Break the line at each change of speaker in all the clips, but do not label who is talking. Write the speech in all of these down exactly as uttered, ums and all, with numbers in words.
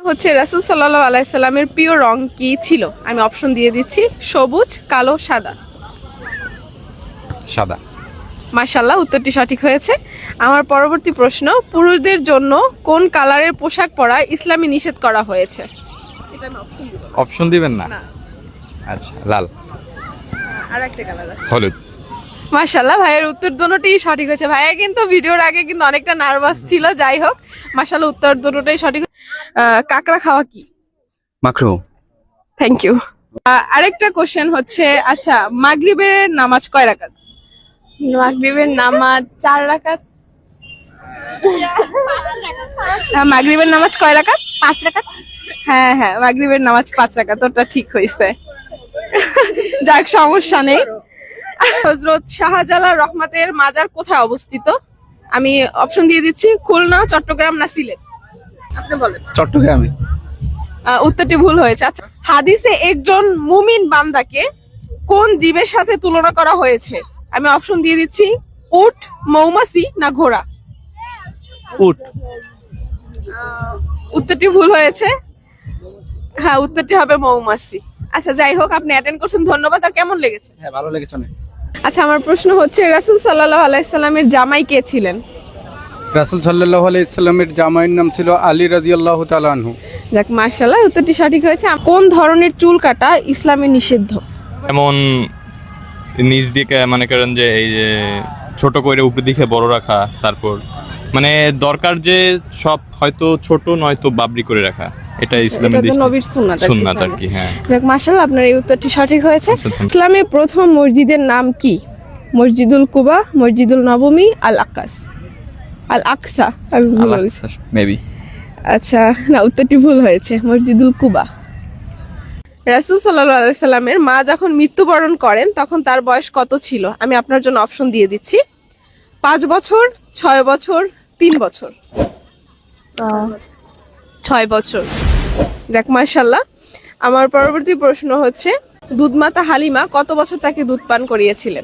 হচ্ছে রাসূল সাল্লাল্লাহু আলাইহি সাল্লামের প্রিয় রং কি ছিল? আমি অপশন দিয়ে দিচ্ছি, সবুজ, কালো, সাদা।
সাদা।
মাশাআল্লাহ, উত্তরটি সঠিক হয়েছে। আমার পরবর্তী প্রশ্ন, পুরুষদের জন্য কোন কালারের পোশাক পরা ইসলামে নিষেধ করা হয়েছে? এটা আমি অপশন দিব না।
অপশন দিবেন না?
না,
আচ্ছা, লাল।
আর একটা কালার আছে
হলুদ।
মাশাআল্লাহ, ভাইয়ের উত্তর দুটোই সঠিক হয়েছে। ভাইয়া কিন্তু ভিডিওর আগে কিন্তু অনেকটা নার্ভাস ছিল, যাই হোক মাশাআল্লাহ উত্তর দুটোই সঠিক। আহ, কাকড়া খাওয়া কি?
মাকরু।
Thank you. আরেকটা কোশ্চেন হচ্ছে, আচ্ছা মাগরিবের নামাজ কয় রাকাত?
মাগরিবের নামাজ চার রাকাত।
হ্যাঁ, মাগরিবের নামাজ কয় রাকাত? পাঁচ রাকাত। হ্যাঁ হ্যাঁ, মাগরিবের নামাজ পাঁচ রাকাত, ওটা ঠিক হয়েছে। যাক, সমস্যা নেই। হযরত শাহজালাল রহমতের মাজার কোথায় অবস্থিত? আমি অপশন দিয়ে দিচ্ছি, খুলনা, চট্টগ্রাম না সিলেট। আপনি বলেন।
চট্টগ্রামে।
আহ, উত্তরটি ভুল হয়েছে। আচ্ছা, হাদিসে একজন মুমিন বান্দাকে কোন জীবের সাথে তুলনা করা হয়েছে? আমি অপশন দিয়ে দিচ্ছি, উট, মৌমাছি না ঘোড়া।
উট।
উত্তরটি ভুল হয়েছে। হ্যাঁ, উত্তরটি হবে মৌমাছি। আচ্ছা, যাই হোক, আপনি অ্যাটেন্ড করছেন, ধন্যবাদ। আর কেমন লেগেছে?
হ্যাঁ, ভালো লেগেছে অনেক।
আচ্ছা, আমার প্রশ্ন হচ্ছে, রাসূল সাল্লাল্লাহু আলাইহি সাল্লামের জামাই কে ছিলেন?
রাসূল সাল্লাল্লাহু আলাইহি সাল্লামের জামাইয়ের নাম ছিল আলী রাদিয়াল্লাহু তাআলা আনহু।
যাক, মাশাআল্লাহ, উত্তরটি সঠিক হয়েছে। কোন ধরনের চুল কাটা ইসলামে নিষিদ্ধ?
এমন নিজ দিকে মনে করেন যে এই যে ছোট করে উপর দিকে বড় রাখা, তারপর মানে দরকার যে সব হয়তো ছোট নয়তো বাবরি করে রাখা, এটা ইসলামের
এটা তো নবীর সুন্নাত আর কি।
সুন্নাত আর কি। হ্যাঁ,
যাক, মাশাআল্লাহ, আপনার এই উত্তরটি সঠিক হয়েছে।
আচ্ছা, thank you.
ইসলামের প্রথম মসজিদের নাম কি? মসজিদুল কুবা, মসজিদুল নবমী, আল আকাস, আল আকসা। আমি ভুল বলেছি।
মেবি।
আচ্ছা, না, উত্তরটি ভুল হয়েছে, মসজিদুল কুবা। রাসূল সাল্লাল্লাহু আলাইহি সাল্লামের মা যখন মৃত্যুবরণ করেন তখন তার বয়স কত ছিল? আমি আপনার জন্য অপশন দিয়ে দিচ্ছি, পাঁচ বছর, ছয় বছর, তিন বছর। ছয় বছর। যাক, মাশাআল্লাহ। আমার পরবর্তী প্রশ্ন হচ্ছে, দুধমাতা হালিমা কত বছর তাকে দুধ পান করিয়েছিলেন?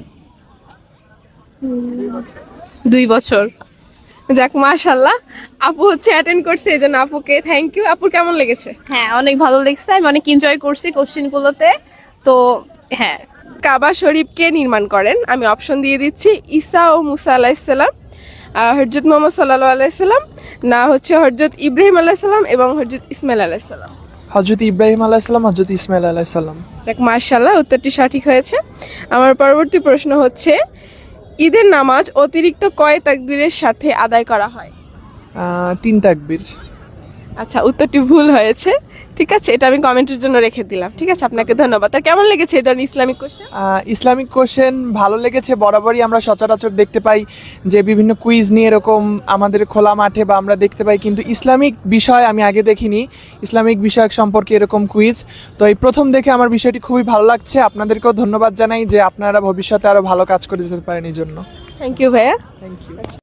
দুই বছর। যাক, মাশাআল্লাহ, আপু হচ্ছে অ্যাটেন্ড করছে, এই জন্য আপুকে থ্যাংক ইউ। আপুর কেমন লেগেছে?
হ্যাঁ, অনেক ভালো লেগেছে, আমি অনেক এনজয় করছি কোশ্চেন গুলোতে। তো হ্যাঁ,
কাবা শরীফ কে নির্মাণ করেন? আমি অপশন দিয়ে দিচ্ছি, ঈসা ও মুসা আলাইহিস সালাম, হযরত মুহাম্মদ সাল্লাল্লাহু আলাইহি সাল্লাম, না হচ্ছে হযরত ইব্রাহিম আলাইহিস সালাম এবং হযরত ইসমাইল আলাইহিস সালাম।
হযরত ইব্রাহিম আলাইহিস সালাম, হযরত ইসমাইল আলাইহিস সালাম।
যাক, মাশাআল্লাহ, উত্তরটি সঠিক হয়েছে। আমার পরবর্তী প্রশ্ন হচ্ছে, ঈদের নামাজ অতিরিক্ত কয় তাকবীরের সাথে আদায় করা হয়?
আহ, তিন তাকবীর।
আচ্ছা, উত্তরটি ভুল হয়েছে। ঠিক আছে, এটা আমি কমেন্টের জন্য রেখে দিলাম। ঠিক আছে, আপনাকে ধন্যবাদ। আর কেমন লেগেছে এই ধরনের ইসলামিক কোশ্চেন?
আহ, ইসলামিক কোশ্চেন ভালো লেগেছে। বরাবরই আমরা সচরাচর দেখতে পাই যে বিভিন্ন কুইজ নিয়ে এরকম আমাদের খোলা মাঠে বা আমরা দেখতে পাই, কিন্তু ইসলামিক বিষয় আমি আগে দেখিনি, ইসলামিক বিষয়ক সম্পর্কে এরকম কুইজ। তো এই প্রথম দেখে আমার বিষয়টি খুবই ভালো লাগছে। আপনাদেরকেও ধন্যবাদ জানাই যে আপনারা ভবিষ্যতে আরো ভালো কাজ করে যেতে পারেন এই জন্য।
থ্যাংক ইউ ভাইয়া।
Thank you.